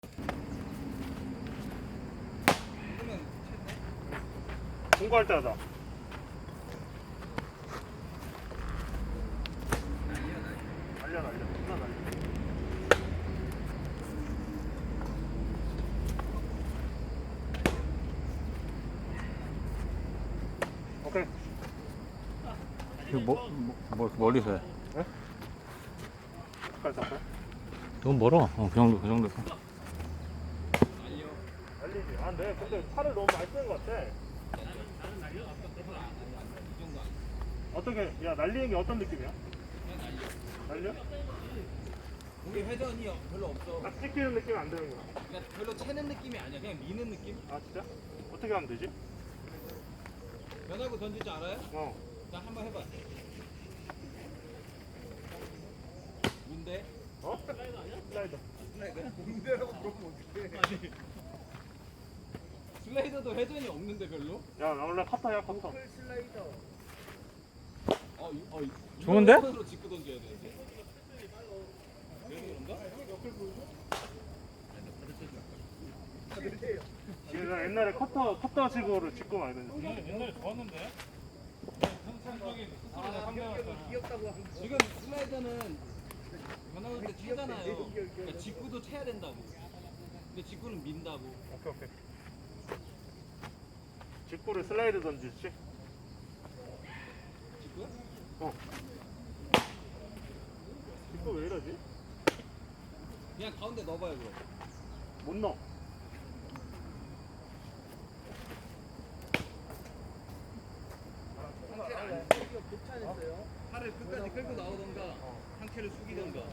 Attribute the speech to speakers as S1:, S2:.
S1: 공부할 때 하자. 날려. 존나 날려. 오케이.
S2: 이거 멀리서 해.
S1: 네? 끝까지 잡고.
S2: 너무 멀어. 그 정도.
S1: 날리지. 아, 네. 근데 팔을 너무 많이 쓰는 것 같아. 어떻게, 야, 날리는 게 어떤 느낌이야? 날려?
S3: 공이 회전이 별로 없어.
S1: 딱 찍히는 느낌이 안 드는구나.
S3: 그냥 별로 채는 느낌이 아니야. 그냥 미는 느낌?
S1: 아, 진짜? 어떻게 하면 되지?
S3: 변하고 던질 줄 알아요?
S1: 어.
S3: 나 한번 해봐. 뭔데?
S1: 어? 슬라이더.
S3: 뭔데라고 물어보면 어떡해. 슬라이더도 회전이 없는데 별로?
S1: 야, 나 원래 커터야, 커터.
S2: 좋은데?
S3: 손으로 짚고 던져야 돼.
S1: 얘가 옛날에 커터 식으로 짚고 많이 던졌어.
S4: 옛날에 좋았는데? 성적인 스스로 상대하잖아.
S3: 지금 슬라이더는 변화할 때 차잖아요. 그러니까 직구도 채야 된다고. 근데 직구는 민다고.
S1: 오케이. 직구를 슬라이드 던지지?
S3: 직구야?
S1: 어. 직구 왜 이러지?
S3: 그냥 가운데 넣어봐요 그럼.
S1: 못 넣어.
S3: 팔을 끝까지 끌고 나오던가 상체를 숙이던가.